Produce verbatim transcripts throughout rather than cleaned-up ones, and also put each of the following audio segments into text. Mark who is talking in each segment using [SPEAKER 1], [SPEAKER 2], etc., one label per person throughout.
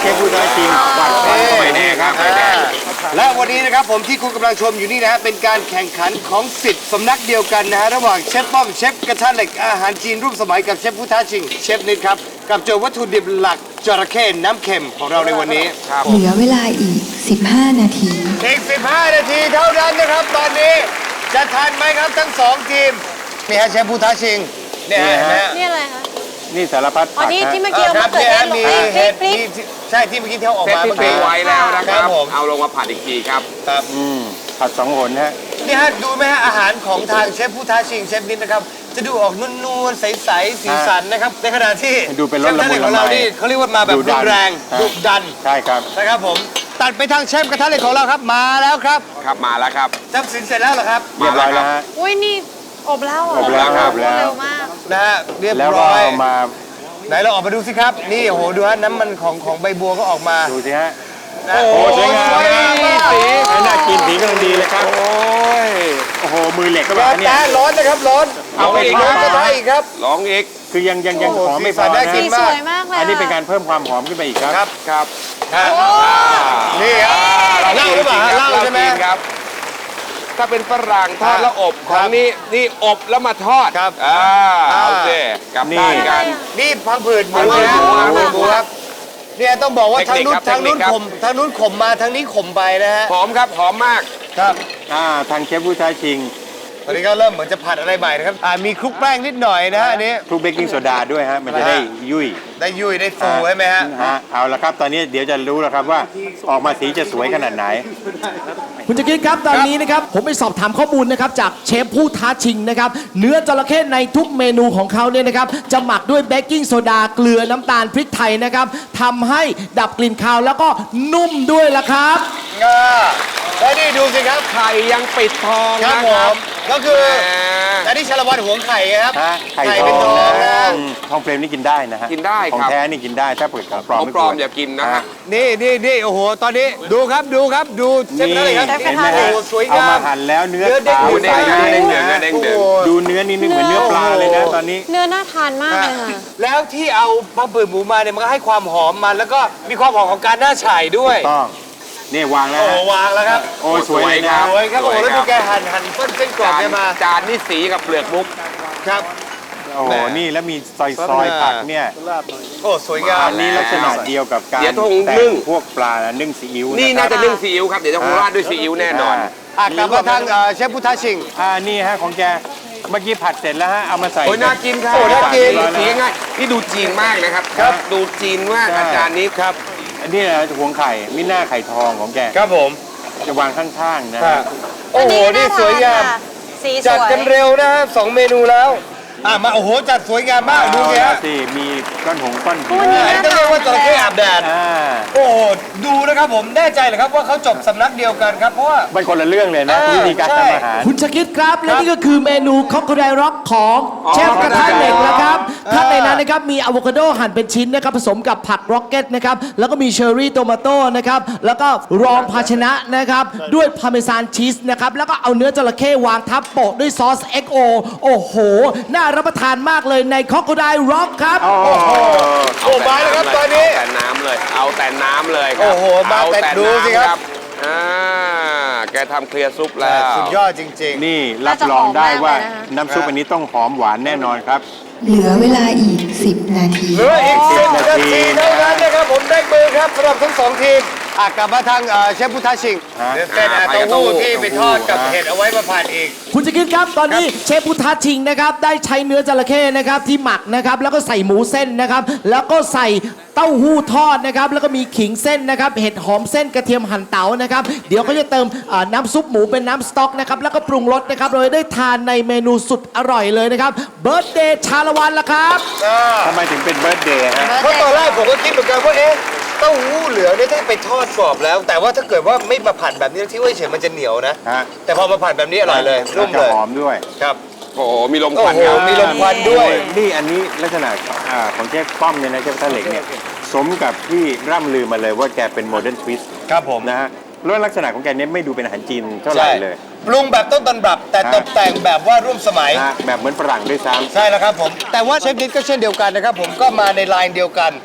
[SPEAKER 1] ฟผู้ท้าชิง
[SPEAKER 2] วันวันก็ไม่แน่ครับไม่แน่
[SPEAKER 3] และวันนี้นะครับผมที่คุณกำลังชมอยู่นี่นะฮะเป็นการแข่งขันของสิทธิ์สำนักเดียวกันนะฮะระหว่างเชฟป้อมเชฟกระทะเหล็กอาหารจีนรูปสมัยกับเชฟผู้ท้าชิงเชฟนิดครับกับโจทย์วัตถุดิบหลักจระเข้น้ำเค็มของเราในวันนี้
[SPEAKER 4] เหลือเวลาอีก สิบห้า นาที
[SPEAKER 3] อีกสิบห้านาทีเท่านั้นนะครับตอนนี้จะทันไหมครับทั้งสองทีมนี่ฮะเชฟผู้ท้าชิงเนี่ยฮะเห็นไหมฮะ
[SPEAKER 5] นี่อะไรคะ
[SPEAKER 1] นี่สารพัด
[SPEAKER 5] อ๋อ
[SPEAKER 1] ผัก
[SPEAKER 5] นี่
[SPEAKER 1] ฮะ
[SPEAKER 5] ที่เมื่อกี้เอา
[SPEAKER 3] ครั
[SPEAKER 5] มา
[SPEAKER 3] บ
[SPEAKER 5] เกิด
[SPEAKER 3] เนี่ย
[SPEAKER 5] เทศลง
[SPEAKER 3] มี
[SPEAKER 5] ไปพริ
[SPEAKER 3] เห็
[SPEAKER 5] ก
[SPEAKER 3] ด
[SPEAKER 5] พริก
[SPEAKER 3] มีใช่ที่เมื่อกี้ที่เขาออก
[SPEAKER 2] เซต
[SPEAKER 3] มา
[SPEAKER 2] ที่
[SPEAKER 3] เมื่อ
[SPEAKER 2] ปิ้
[SPEAKER 3] กี้
[SPEAKER 2] งไว้แล้วนะค
[SPEAKER 3] ครั
[SPEAKER 2] รั
[SPEAKER 3] บบ ผม
[SPEAKER 2] เอาลงมาผัดอีกทีครับ
[SPEAKER 3] ครับ
[SPEAKER 1] อืมผัดสองหนฮะ
[SPEAKER 3] นี่ฮะดูไหมฮะอาหารของทางเชฟผู้ท้าชิงเชฟนิดนะครับจะดูออกนวลๆใสๆสีสันนะครับในขณะที่
[SPEAKER 1] ดูเป็นร
[SPEAKER 3] เช
[SPEAKER 1] ส
[SPEAKER 3] ฟ
[SPEAKER 1] ละ
[SPEAKER 3] ท่าน
[SPEAKER 1] มุ
[SPEAKER 3] เอน กของเรา
[SPEAKER 1] ละไม
[SPEAKER 3] นี่เขาเรียกว่ามาแบบ
[SPEAKER 1] ดุดั
[SPEAKER 3] รุ
[SPEAKER 1] น
[SPEAKER 3] นแรง
[SPEAKER 1] ฮะ
[SPEAKER 3] ดุดัน
[SPEAKER 1] ใช่ครับ
[SPEAKER 3] นะครับผมตัดไปทางเชฟกระทะเหล็กของเราครับมาแล้วครับ
[SPEAKER 2] ครับมาแล้วครับ
[SPEAKER 3] จำสินเสร็จแล้วเหรอครับ
[SPEAKER 1] เรียบร้อยแล้วฮะ
[SPEAKER 5] อุ้ยนี่อบแล้วเหร
[SPEAKER 1] อบแล้วครับ
[SPEAKER 5] เร็วมาก
[SPEAKER 3] นะฮะเรียบ
[SPEAKER 1] แล้วก็
[SPEAKER 3] ร้อย
[SPEAKER 1] เอามา
[SPEAKER 3] ไหนเราออกมาดูสิครับนี่โอ้โหดูฮะน้ำมันของของใบบัวก็ออกมา
[SPEAKER 1] ดูสิฮะ
[SPEAKER 3] นะ
[SPEAKER 1] โอ้โหสวยงาม
[SPEAKER 3] สวยงามมาก
[SPEAKER 1] สีไม่น่ากินสีกำลังดีเลยครับ
[SPEAKER 2] โอ้ย
[SPEAKER 1] โอ้โหมือเหล็กก็
[SPEAKER 3] ก
[SPEAKER 1] แบบ
[SPEAKER 3] ระ
[SPEAKER 1] นี้
[SPEAKER 3] ทะร้อนนะครับร้อน
[SPEAKER 1] เอาไป
[SPEAKER 3] อีก
[SPEAKER 1] ทอด
[SPEAKER 3] กระทะอีกครับ
[SPEAKER 2] ลองอีก
[SPEAKER 1] คือยังยังยัง
[SPEAKER 3] โอ้โห
[SPEAKER 1] หอมไม่พ
[SPEAKER 3] สีสั
[SPEAKER 1] อน
[SPEAKER 3] น่า
[SPEAKER 1] นะ
[SPEAKER 3] กิ
[SPEAKER 5] สีสวยมากเลย
[SPEAKER 1] อันนี้เป็นการเพิ่มความหอมขึ้นไปอีกครับ
[SPEAKER 3] ครับ
[SPEAKER 2] ครับ
[SPEAKER 3] ฮะนี่ครับเหล้าหรือเปล่าฮะเหล้าใช่ไหม
[SPEAKER 2] จริงครับ ถ้าเป็นฝรั่งทอดแล้วอบของนี่นี่อบแล้วมาทอด
[SPEAKER 3] ครับ
[SPEAKER 2] อ่า
[SPEAKER 3] อ่า
[SPEAKER 2] เอาสิกลับด้านกัน
[SPEAKER 3] นี่พังผืดหมู
[SPEAKER 2] พังผืด
[SPEAKER 3] นะ
[SPEAKER 2] หมู
[SPEAKER 3] พังผืดหมูครับเนี่ยต้องบอกว่า
[SPEAKER 2] เท
[SPEAKER 3] ทาง
[SPEAKER 2] คนิค
[SPEAKER 3] นู้น
[SPEAKER 2] ครับ
[SPEAKER 3] ทางนู้น
[SPEAKER 2] เทคนิคครับ
[SPEAKER 3] ข่มทางนู้นข่มมาทางนี้ข่มไปนะฮะ
[SPEAKER 2] หอมครับหอมมาก
[SPEAKER 3] ครับ
[SPEAKER 1] อ่าทางเชฟผู้ท้าชิง
[SPEAKER 3] ตอนนี้ก็เริ่มเหมือนจะผัดอะไรใหม่นะครับอ่ามีคลุกแป้งนิดหน่อยนะฮะอันนี้
[SPEAKER 1] คลุกเบกกิ้งโซดาด้วยฮะมันจะได้ยุ่ย
[SPEAKER 3] ได้ยุ่ยได้ฟูใช่ไหมฮะ
[SPEAKER 1] ฮะเอาละครับตอนนี้เดี๋ยวจะรู้แล้วครับว่าออกมาสีจะสวยขนาดไหน
[SPEAKER 6] คุณจะคิดครับตอนนี้นะครับผมไปสอบถามข้อมูลนะครับจากเชฟผู้ท้าชิงนะครับเนื้อจระเข้ในทุกเมนูของเขาเนี่ยนะครับจะหมักด้วยเบกกิ้งโซดาเกลือน้ำตาลพริกไทยนะครับทำให้ดับกลิ่นคาวแล้วก็นุ่มด้วยละครับ
[SPEAKER 3] อ่าแล้วนี่ดูสิครับ
[SPEAKER 2] ไข่ยังปิดทอง
[SPEAKER 3] ครับ
[SPEAKER 2] นะ
[SPEAKER 3] ผ
[SPEAKER 2] ครับ
[SPEAKER 3] มก็คือ
[SPEAKER 2] แหม
[SPEAKER 3] อันนี้ชาละวันหวงไข่ครับ
[SPEAKER 1] ฮะไข่
[SPEAKER 3] เป็น
[SPEAKER 1] ท
[SPEAKER 3] ท
[SPEAKER 1] อ
[SPEAKER 3] อง ง
[SPEAKER 1] นะ
[SPEAKER 3] นะ
[SPEAKER 1] อืมทองเปลมนี่กินได้นะฮะ
[SPEAKER 2] กินได้
[SPEAKER 1] ของ
[SPEAKER 2] ครับ
[SPEAKER 1] แท้นี่กินได้ถ้าเปิดของปลอม
[SPEAKER 2] ของ
[SPEAKER 1] ไม่
[SPEAKER 2] ปลอม
[SPEAKER 1] ควร
[SPEAKER 2] อย่ากินนะฮะ
[SPEAKER 3] นี่นี่นี่โอ้โหตอนนี้ดูครับดูครับดูเชฟ
[SPEAKER 1] นี่
[SPEAKER 3] อะไรครับ
[SPEAKER 5] เชฟกระ
[SPEAKER 1] เห็น
[SPEAKER 5] ทะ
[SPEAKER 1] ไหม
[SPEAKER 5] เหล็
[SPEAKER 1] ฮะ
[SPEAKER 5] ก
[SPEAKER 3] โอ้สวย
[SPEAKER 1] เอา
[SPEAKER 3] งาม
[SPEAKER 1] มาหั่นแล้วเนื้อ
[SPEAKER 3] เนื้อเด้ง
[SPEAKER 1] ขาว
[SPEAKER 3] เด้ง
[SPEAKER 1] ใส
[SPEAKER 2] เด้ง
[SPEAKER 1] นะ
[SPEAKER 2] เด้งเด้ง
[SPEAKER 3] โอ้โห
[SPEAKER 1] ดูเนื้อนี่นึกเหมือนเนื้อปลาเลยนะตอนนี้
[SPEAKER 5] เนื้อน่าทานมากเลยค่ะ
[SPEAKER 3] แล้วที่เอาพังผืดหมูมาเนี่ยมันก็ให้ความหอมมันแล้วก็มีความหอมของการหน้าฉ่ายด้วย
[SPEAKER 1] ต้องนี่วางแล้ว
[SPEAKER 3] โอ้โห
[SPEAKER 1] ฮะ
[SPEAKER 3] วางแล้วครับ
[SPEAKER 1] โอ้ยสวยเลยนะ
[SPEAKER 3] สวยครับโอ้โหแล้วดูแกหั่นหั่นเส้นเส้นกรอบ
[SPEAKER 2] จาน
[SPEAKER 3] แกมา
[SPEAKER 2] จานนี่สีกับเปลือกมุก
[SPEAKER 3] ครับ
[SPEAKER 1] โอ้โห
[SPEAKER 3] แหม
[SPEAKER 1] นี่แล้วมีซอยซอยผักเนี่ย
[SPEAKER 3] โอ้สวยงาม
[SPEAKER 1] อันนี้ลักษณะเดียวกับการ
[SPEAKER 2] เดี๋ยวต้อง
[SPEAKER 1] แต่
[SPEAKER 2] นึ่
[SPEAKER 1] ง
[SPEAKER 2] ง
[SPEAKER 1] พวกปลานึ่งซีอิ๊ว
[SPEAKER 2] นี่
[SPEAKER 1] ค
[SPEAKER 2] น่า
[SPEAKER 1] รับ
[SPEAKER 2] จะนึ่งซีอิ๊วครับ เดี๋ยวจะคงราดด้วยซีอิ๊วแน่นอน
[SPEAKER 3] อ่ะกลับมาทางเอ่อเชฟพุทธชิง
[SPEAKER 1] อ่านี่ฮะของแกเมื่อกี้ผัดเสร็จแล้วฮะเอามาใส่
[SPEAKER 2] โอ้ยน่ากินครับ
[SPEAKER 3] โอ้น่ากิน
[SPEAKER 2] สีง่ายนี่ดูจีนมากนะครับ
[SPEAKER 1] ครับ
[SPEAKER 2] ดูจีนมาก
[SPEAKER 1] ใช่
[SPEAKER 2] อาจารย์นี้ครับ
[SPEAKER 1] อันนี้นะหวงไข่มิน่าไข่ทองของแก
[SPEAKER 3] ครับผม
[SPEAKER 1] จะวางข้างๆนะ
[SPEAKER 3] ครั
[SPEAKER 1] ฮะ
[SPEAKER 3] บโอ้โหนี่สวยงาม
[SPEAKER 5] สีส
[SPEAKER 3] จัด
[SPEAKER 5] วย
[SPEAKER 3] กันเร็วนะฮะสองเมนูแล้วอ่ะมาโอ้โหจัดสวยงามมากดูสิ
[SPEAKER 1] เอา
[SPEAKER 3] ฮะ
[SPEAKER 1] ละสิมีก้อนหงก้อนหิน
[SPEAKER 5] วันนี้
[SPEAKER 3] อันนี้ต้องเรียกว่าจระเข้อาบแดด
[SPEAKER 1] อ่า
[SPEAKER 3] โอ้โหดูนะครับผมแน่ใจเหรอครับว่าเขาจบสำนักเดียวกันครับเพราะว่า
[SPEAKER 1] มันคนละเรื่องเลยนะ
[SPEAKER 3] เออ
[SPEAKER 1] วิธีการ
[SPEAKER 3] ใช่
[SPEAKER 1] ทำอาหาร
[SPEAKER 6] คุณจะคิดครับและนี่ก็คือเมนูคอกโคไดร็อกของเชฟกระทะเหล็กนะครับข้างในนั้นนะครับมีอะโวคาโดหั่นเป็นชิ้นนะครับผสมกับผักร็อกเก็ตนะครับแล้วก็มีเชอร์รี่โตมาโต้นะครับแล้วก็รองภาชนะนะครับด้วยพาร์เมซานชีสนะครับแล้วก็เอาเนื้อจระเข้วางทับโปะด้วยซอส เอ็กซ์ โอ โอ้โห น่ารับประทานมากเลยในคอกโคไดร็อกครับ
[SPEAKER 3] โอ้มาแล้วครับตอนนี้
[SPEAKER 2] เอาแต่น้ำเลย เอาแต่น้ำเลยครั
[SPEAKER 3] โอ้โหมาแต่
[SPEAKER 2] เอ
[SPEAKER 3] ดูสิครับ
[SPEAKER 2] น้ำอ่าแกทำเคลียร์ซุปแล้ว
[SPEAKER 3] สุดยอดจริง
[SPEAKER 1] นี่รับรองได้ว่า
[SPEAKER 5] น่าจะหอมมากเลยนะคะ
[SPEAKER 1] น้ำซุปอันนี้ต้องหอมหวานแน่นอนครับ
[SPEAKER 4] เหลือเวลาอีก สิบ นาที
[SPEAKER 3] ๆเหลืออีกสิบนาทีเท่านั้นนะครับผมได้มือครับสำหรับทั้งสองทีมอ่ะกลับมาทางเอ่อเชฟพุทธชิง
[SPEAKER 1] ฮะ
[SPEAKER 3] เดี๋ยวเป็นอ่ะเต้าหู้ที่ไปทอดกับเห็ดเอาไว้มาผัดอีก
[SPEAKER 6] คุณจะคิดครับตอนนี้เชฟพุทธชิงนะครับได้ใช้เนื้อจระเข้นะครับที่หมักนะครับแล้วก็ใส่หมูเส้นนะครับแล้วก็ใส่เต้าหู้ทอดนะครับแล้วก็มีขิงเส้นนะครับเห็ดหอมเส้นกระเทียมหั่นเต๋านะครับเดี๋ยวเขาจะเติมเอ่อน้ำซุปหมูเป็นน้ำสต๊อกนะครับแล้วก็ปรุงรสนะครับเราจะได้ทานในเมนูสุดอร่อยเลยนะครับเบิร์ d เดย์ชาละวันละครับ
[SPEAKER 1] ทำไมถึงเป็นเบิร์ดเดย์ฮะ
[SPEAKER 3] เพราะตอนแรกผมก็คิดเหมือนกันว่าเอ๊ะเต้าหู้เหลืองเนี่ยถ้าไปทอดกรอบแล้ว แต่ว่าถ้าเกิดว่าไม่มาผัดแบบนี้ที่ว่าเฉยมันจะเหนียวนะ
[SPEAKER 1] ฮะ
[SPEAKER 3] แต่พอมาผัดแบบนี้อร่อยเลยนุ่ม
[SPEAKER 1] จะ
[SPEAKER 3] เลย
[SPEAKER 1] หอมด้วย
[SPEAKER 3] ครับ
[SPEAKER 2] โอ้โห มีลมค
[SPEAKER 3] โอ้
[SPEAKER 2] วัน
[SPEAKER 3] โห
[SPEAKER 2] ครับ
[SPEAKER 3] มีลมควันด้วย
[SPEAKER 1] นี่อันนี้ลักษณะอ่าของเชฟป้อมเนี่ยนะเชฟกระทะเหล็กเนี่ยสมกับที่ร่ำลือมาเลยว่าแกเป็นโมเดิร์นทวิสต์
[SPEAKER 3] ครับผม
[SPEAKER 1] นะฮะแล้วลักษณะของแกเนี่ยไม่ดูเป็นอาหารจีนเท่าไหร่เลย
[SPEAKER 3] ปรุงแบบต้นตำรับ แต่ตกแต่งแบบว่าร่วมสมัย
[SPEAKER 1] นะฮะแบบเหมือนฝรั่งด้วยซ้ำ
[SPEAKER 3] ใช่แล้วครับผม แต่ว่าเชฟนิดก็เช่นเดียวกันนะครับผมก็มาในไลน์เดียวกัน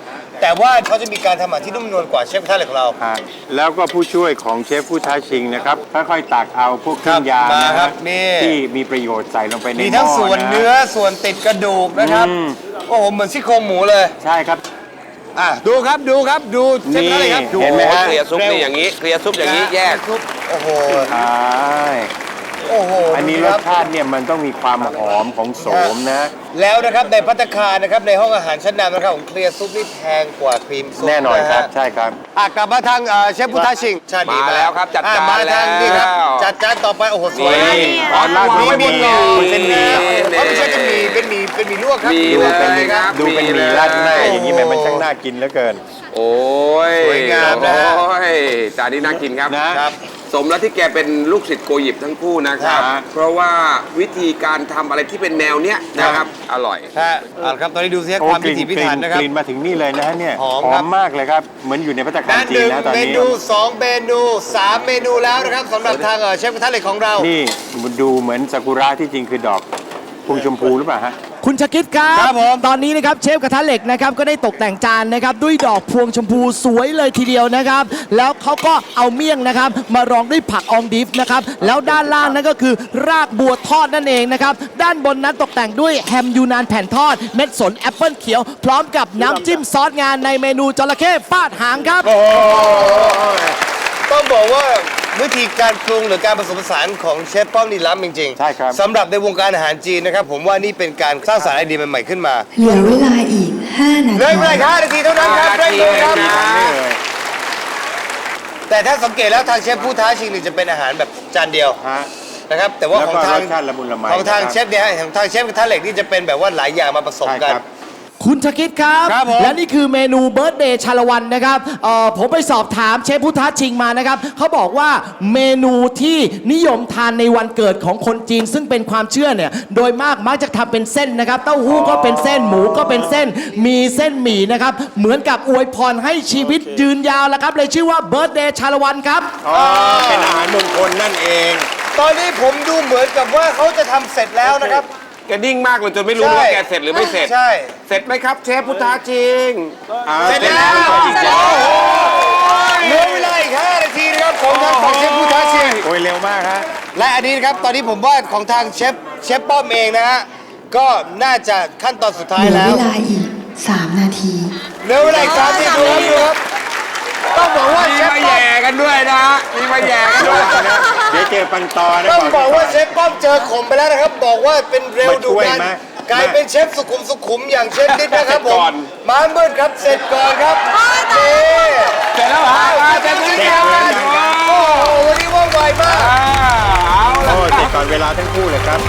[SPEAKER 3] แต่ว่าเขาจะมีการทำอาหารที่นุ่มนวลกว่าเชฟกระทะเหล็กของเรา
[SPEAKER 1] ครับแล้วก็ผู้ช่วยของเชฟผู้ท้าชิงนะครับค่อยๆตักเอาพวกเครื่องยา
[SPEAKER 3] ครับมา
[SPEAKER 1] นะ
[SPEAKER 3] ค
[SPEAKER 1] ค
[SPEAKER 3] รั
[SPEAKER 1] รั
[SPEAKER 3] บบ นี่
[SPEAKER 1] ที่มีประโยชน์ใส่ลงไปในหม้อ
[SPEAKER 3] มีทั้งส่วนะ เนื้อส่วนติดกระดูกนะครับ
[SPEAKER 1] อืม
[SPEAKER 3] โอ้โหเหมือนซี่โครงหมูเลย
[SPEAKER 1] ใช่ครับ
[SPEAKER 3] อ่ะดูครับดูครับดูเชฟกระทะเหล็กครับดู
[SPEAKER 1] เห็นไหมฮะ
[SPEAKER 2] เคลียร์ซุปนี่อย่างนี้ เคลียร์ซุปอย่างนี้แยก
[SPEAKER 3] ซุปโอ้โห
[SPEAKER 1] ใช่
[SPEAKER 3] โอ้โห
[SPEAKER 1] อันนี้ร
[SPEAKER 3] ค
[SPEAKER 1] ส
[SPEAKER 3] บ
[SPEAKER 1] ชาติเนี่ยมันต้องมีความหอมของโสมนะ
[SPEAKER 3] แล้วนะครับในภัตตาคารนะครับในห้องอาหารชั้นนำนะครับของเคลียร์ซุปนี่แพงกว่าครีมซุป
[SPEAKER 1] แน่นอนครับ
[SPEAKER 3] ะฮะ
[SPEAKER 1] ใช่ครับ
[SPEAKER 3] อ่ะกลับมาทางเอ่อเชฟพุทธชิงชาติดี
[SPEAKER 2] มาแล้วครับจัด
[SPEAKER 3] อ่ะ
[SPEAKER 2] จาน
[SPEAKER 3] มาทางนี่ครับ
[SPEAKER 2] แล้ว
[SPEAKER 3] จัดจานต่อไปโอ้โหสวย
[SPEAKER 1] นี่
[SPEAKER 3] มาก
[SPEAKER 1] อ๋อราดด้วย
[SPEAKER 3] มี
[SPEAKER 1] บะหมี่
[SPEAKER 3] หมี่
[SPEAKER 1] เส้นหมี่
[SPEAKER 3] เพราะไม่ใช่เป็นหมี่เป็นหมี่เป็นหมี่ลวกครับ
[SPEAKER 2] มี
[SPEAKER 1] ดู
[SPEAKER 2] เล
[SPEAKER 1] เป็น
[SPEAKER 2] ยครับ
[SPEAKER 1] ดูเป็นหมี่ราดหน้าอย่างนี้แหมมันช่างน่ากินเหลือเกิน
[SPEAKER 2] โอ้ย
[SPEAKER 3] สวยงามนะฮะ
[SPEAKER 2] โอ้ยจานนี้น่ากินครับ
[SPEAKER 1] นะ
[SPEAKER 3] ครับ
[SPEAKER 2] สมแล้วที่แกเป็นลูกศิษย์โกหยิบทั้งคู่นะครับ
[SPEAKER 1] ครับ
[SPEAKER 2] เพราะว่าวิธีการทำอะไรที่เป็นแนวเนี้ยนะครับ อร่อย
[SPEAKER 3] ฮะเอาละครับตอนนี้ดูสิฮะ
[SPEAKER 1] โอ้
[SPEAKER 3] ความ
[SPEAKER 1] ก
[SPEAKER 3] พิ
[SPEAKER 1] ลิ่น
[SPEAKER 3] ถีพิ
[SPEAKER 1] กลิ่
[SPEAKER 3] ถัน
[SPEAKER 1] น
[SPEAKER 3] นะครับ
[SPEAKER 1] กลิ่นมาถึงนี่เลยนะฮะเนี่ย
[SPEAKER 3] หอมครับ
[SPEAKER 1] มากเลยครับ เหมือนอยู่ในภัตตาคาร
[SPEAKER 3] นั่น
[SPEAKER 1] จี
[SPEAKER 3] ห
[SPEAKER 1] น
[SPEAKER 3] นึ่ง
[SPEAKER 1] นะตอน
[SPEAKER 3] เม
[SPEAKER 1] นี้
[SPEAKER 3] นูสองเมนูสามเมนูแล้วนะครับสำหรับทางเอ่อเชฟกระทะเหล็กของเรา
[SPEAKER 1] นี่ดูเหมือนซากุระที่จริงคือดอกพวงชมพูหรือเปล่าฮะ
[SPEAKER 6] คุณชาคิดครับ
[SPEAKER 3] ครับผม
[SPEAKER 6] ตอนนี้นะครับเชฟกระทะเหล็กนะครับก็ได้ตกแต่งจานนะครับด้วยดอกพวงชมพูสวยเลยทีเดียวนะครับ แล้วเขาก็เอาเมี่ยงนะครับมารองด้วยผักอองดิฟนะครับแล้วด้านล่างนั่นก็คือรากบัวทอดนั่นเองนะครับด้านบนนั้นตกแต่งด้วยแฮมยูนานแผ่นทอดเม็ดสนแอปเปิลเขียว พร้อมกับน้ำจิ้มซอสงานในเมนูจระเข้ฟาดหางครับ
[SPEAKER 3] โอ้ยต้องบอกว่าวิธีการปรุงหรือการผสมผสานของเชฟป้อมนี่ล้ำจริงๆ
[SPEAKER 1] ใช่ครับ
[SPEAKER 3] สำหรับในวงการอาหารจีนนะครับผมว่านี่เป็นการสร้างสรรค์ไอเดียใหม่ๆขึ้นมา
[SPEAKER 4] เหลือเวลาอีก ห้า นา
[SPEAKER 3] เร่
[SPEAKER 4] ที
[SPEAKER 3] งเวลาแค่ห้านาทีเท่านั้นครับเร่งมือครับ
[SPEAKER 2] ห้านาที
[SPEAKER 1] นี่เลย
[SPEAKER 3] แต่ถ้าสังเกตแล้วทางเชฟผู้ท้าชิงนี่จะเป็นอาหารแบบจานเดียว
[SPEAKER 1] ฮะ
[SPEAKER 3] นะครับแต่ว่า
[SPEAKER 1] แล้ว
[SPEAKER 3] ข
[SPEAKER 1] ก็
[SPEAKER 3] องทาง
[SPEAKER 1] รสชาติละมุนละไม
[SPEAKER 3] ของทาง
[SPEAKER 1] นะครับ
[SPEAKER 3] เชฟเนี่ยฮะของทางเชฟกระทะเหล็กนี่จะเป็นแบบว่าหลายอย่างมาผสม
[SPEAKER 1] ใช่
[SPEAKER 3] กัน
[SPEAKER 1] ครับ
[SPEAKER 6] คุณชาคิดครับ
[SPEAKER 3] ครับผม
[SPEAKER 6] และนี่คือเมนูเบิร์ d เดย์ชาละวันนะครับเอ่อผมไปสอบถามเชฟพุทธชิงมานะครับเขาบอกว่าเมนูที่นิยมทานในวันเกิดของคนจีน ซึ่งเป็นความเชื่อเนี่ยโดยมากมักจะทำเป็นเส้นนะครับเต้าหู้ก็เป็นเส้นหมูก็เป็นเส้นมีเส้นหมี่นะครับเหมือนกับอวยพรให้ชีวิตยืนยาวแล้วครับเลยชื่อว่าเบิร์ d เดย์ชาละวันครับ
[SPEAKER 1] อ๋อเป็นอาหารมงคลนั่นเอง
[SPEAKER 3] ตอนนี้ผมดูเหมือนกับว่าเขาจะทำเสร็จแล้วนะครับ
[SPEAKER 2] แกนิ่งมากเลยจนไม่รู้
[SPEAKER 3] ใช่
[SPEAKER 2] ว่าแกเสร็จหรือไม่เสร็จ
[SPEAKER 3] ใช่
[SPEAKER 2] เสร็จไหมครับเชฟพุทธาจริง
[SPEAKER 1] อ่า
[SPEAKER 3] เสร็จแล้ว
[SPEAKER 1] อีกแล้ว
[SPEAKER 3] เหลือเวลาอีกห้านาทีนะครับของทางฝั่งเชฟผู้ท้าชิง
[SPEAKER 1] โอ้ยเร็วมากฮะ
[SPEAKER 3] และอันนี้นะครับตอนนี้ผมว่าของทางเชฟเชฟป้อมเองนะฮะก็น่าจะขั้นตอนสุดท้าย
[SPEAKER 4] เหลือ
[SPEAKER 3] แล้ว
[SPEAKER 4] เวลาอีก สาม นาที
[SPEAKER 3] เหลือเวลาอีกสามนาทีดูครับดูครับต้องบอกว่า
[SPEAKER 2] มี
[SPEAKER 3] เชฟ
[SPEAKER 2] มา
[SPEAKER 3] ป้อ
[SPEAKER 2] แย่
[SPEAKER 3] ม
[SPEAKER 2] กันด้วยนะฮะมีมาแย่กัน
[SPEAKER 1] ระ
[SPEAKER 2] ด้วย
[SPEAKER 1] วังนะเดี๋ยวเจอปังตอนะ
[SPEAKER 3] ต้องบอกว่าเชฟป้อมเจอขมไปแล้วนะครับ บอกว่าเป็นเร็ว
[SPEAKER 1] มา
[SPEAKER 3] ดู
[SPEAKER 1] ช่วย
[SPEAKER 3] ดัน
[SPEAKER 1] ไหม
[SPEAKER 3] กลายเป็นเชฟสุขุมสุขุมอย่างเชฟนิดนะครับผ
[SPEAKER 2] ก่
[SPEAKER 3] ม
[SPEAKER 2] อน
[SPEAKER 3] มามืดครับเสร็จก่อนครับนี่
[SPEAKER 2] เสร็จแล้วเหรออ่าเสร็จ
[SPEAKER 3] เสร็จ
[SPEAKER 2] แล้
[SPEAKER 3] แล้ว
[SPEAKER 2] ว
[SPEAKER 3] ครับโอ้โหวันนี้ว่องไวมาก
[SPEAKER 2] อ่าเอาละ
[SPEAKER 1] โอ้เสร็จก่อนเวลาทั้งคู่เลยครับ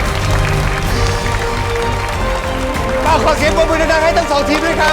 [SPEAKER 3] ก็ขอเสียงปรบมือดังๆให้ทั้งสองทีมด้วยครับ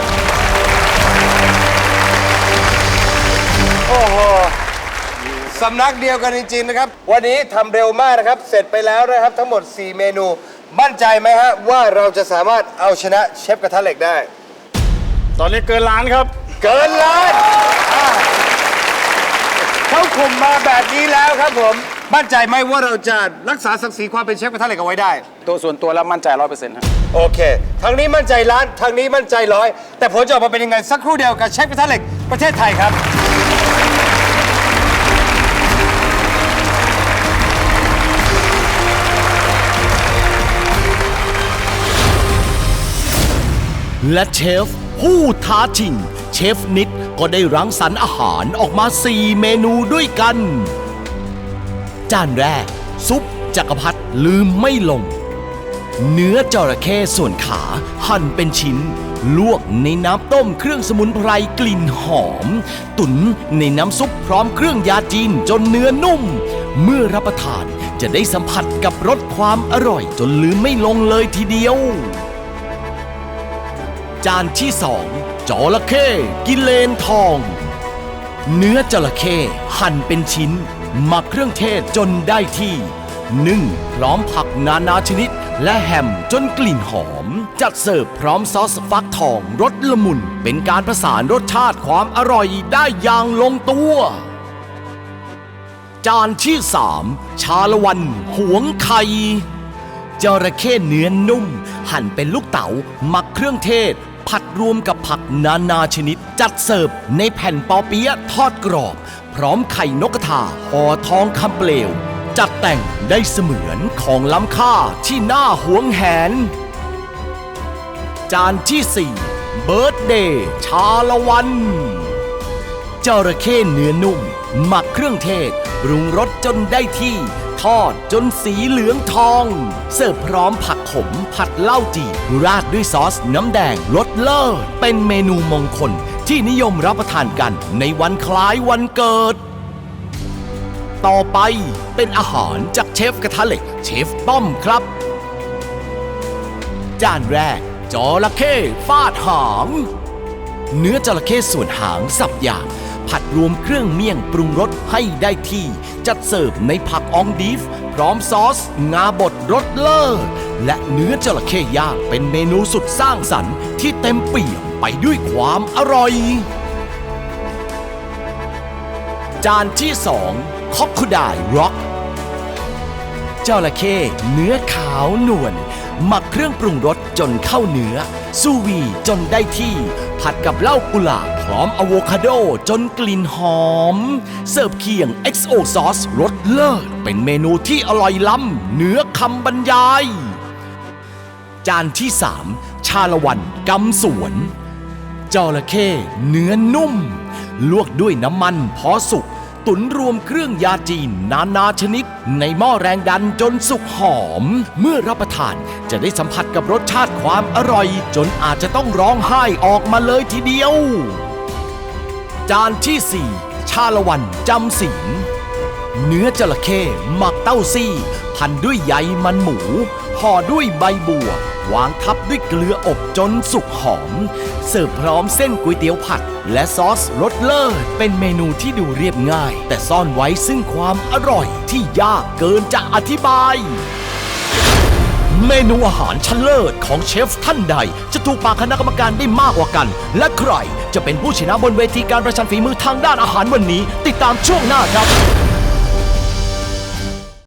[SPEAKER 3] โอ้โห สำนักเดียวกันจริงๆนะครับ วันนี้ทำเร็วมากนะครับ เสร็จไปแล้วนะครับทั้งหมด สี่ เมนู มั่นใจไหมฮะว่าเราจะสามารถเอาชนะเชฟกระทะเหล็กได้
[SPEAKER 7] ตอนนี้เกินล้านครับ
[SPEAKER 3] เกินล้านอ่าเขาข่มมาแบบนี้แล้วครับผม มั่นใจไหมว่าเราจะรักษาศักดิ์ศรีความเป็นเชฟกระทะเหล็กเอาไว้ได้
[SPEAKER 7] ตัวส่วนตัวแล้วมั่นใจร้อยเปอร์เซ็นต์ครับ
[SPEAKER 3] โอเค ทางนี้มั่นใจล้าน ทางนี้มั่นใจร้อย แต่ผลจะออกมาเป็นยังไงสักครู่เดียวกับเชฟกระทะเหล็กประเทศไทยครับ
[SPEAKER 6] และเชฟผู้ท้าชิง เชฟนิดก็ได้รังสรรค์อาหารออกมา สี่ เมนูด้วยกัน จานแรก ซุปจักรพรรดิลืมไม่ลง เนื้อจระเข้ส่วนขาหั่นเป็นชิ้น ลวกในน้ำต้มเครื่องสมุนไพรกลิ่นหอม ตุ๋นในน้ำซุปพร้อมเครื่องยาจีนจนเนื้อนุ่ม เมื่อรับประทานจะได้สัมผัสกับรสความอร่อยจนลืมไม่ลงเลยทีเดียว จานที่สองจระเข้กิเลนทอง เนื้อจระเข้หั่นเป็นชิ้นหมักเครื่องเทศจนได้ที่นึ่งพร้อมผักนานาชนิดและแฮมจนกลิ่นหอม จัดเสิร์ฟพร้อมซอสฟักทองรสละมุนเป็นการผสานรสชาติความอร่อยได้อย่างลงตัว จานที่สามชาละวันหวงไข่จระเข้เนื้อนุ่ม หั่นเป็นลูกเต๋าหมักเครื่องเทศผัดรวมกับผักนานาชนิด จัดเสิร์ฟในแผ่นปอเปี๊ยะทอดกรอบ พร้อมไข่นกกระทาห่อทองคำเปลว จัดแต่งได้เสมือนของล้ำค่าที่น่าหวงแหน จานที่สี่เบิร์ดเดย์ชาละวันจระเข้เนื้อนุ่ม หมักเครื่องเทศปรุงรสจนได้ที่ ทอดจนสีเหลืองทอง เสิร์ฟพร้อมผักขมผัดเหล้าจีบราดด้วยซอสน้ำแดงรสเลิศเป็นเมนูมงคลที่นิยมรับประทานกันในวันคล้ายวันเกิด ต่อไปเป็นอาหารจากเชฟกระทะเหล็กเชฟป้อมครับ จานแรกจระเข้ฟาดหาง เนื้อจระเข้ส่วนหางสับหยาบผัดรวมเครื่องเมี่ยงปรุงรสให้ได้ที่ จัดเสิร์ฟในผักอองดีฟพร้อมซอส งาบดรสเลิศและเนื้อจระเข้ย่างเป็นเมนูสุดสร้างสรรค์ที่เต็มเปี่ยมไปด้วยความอร่อย จานที่สองคอกคูไดร็อกจระเข้เนื้อขาวนวลหมักเครื่องปรุงรสจนเข้าเนื้อซูวีจนได้ที่ ผัดกับเหล้ากุหลาบพร้อมอะโวคาโดจนกลิ่นหอม เสิร์ฟเคียง เอ็กซ์ โอ ซอสรสเลิศเป็นเมนูที่อร่อยล้ำเหนือคำบรรยาย จานที่สามชาละวันกำสวนจระเข้เนื้อนุ่ม ลวกด้วยน้ำมันพอสุก ตุ๋นรวมเครื่องยาจีนนานาชนิดในหม้อแรงดันจนสุกหอม เมื่อรับประทานจะได้สัมผัสกับรสชาติความอร่อย จนอาจจะต้องร้องไห้ออกมาเลยทีเดียว จานที่สี่ชาละวันจำศีลเนื้อจระเข้หมักเต้าซี่พันด้วยใยมันหมูห่อด้วยใบบัววางทับด้วยเกลืออบจนสุกหอม เสิร์ฟพร้อมเส้นก๋วยเตี๋ยวผัดและซอสรสเลิศเป็นเมนูที่ดูเรียบง่าย แต่ซ่อนไว้ซึ่งความอร่อยที่ยากเกินจะอธิบาย เมนูอาหารชั้นเลิศของเชฟท่านใด จะถูกปากคณะกรรมการได้มากกว่ากัน และใครจะเป็นผู้ชนะบนเวทีการประชันฝีมือทางด้านอาหารวันนี้ ติดตามช่วงหน้าครับ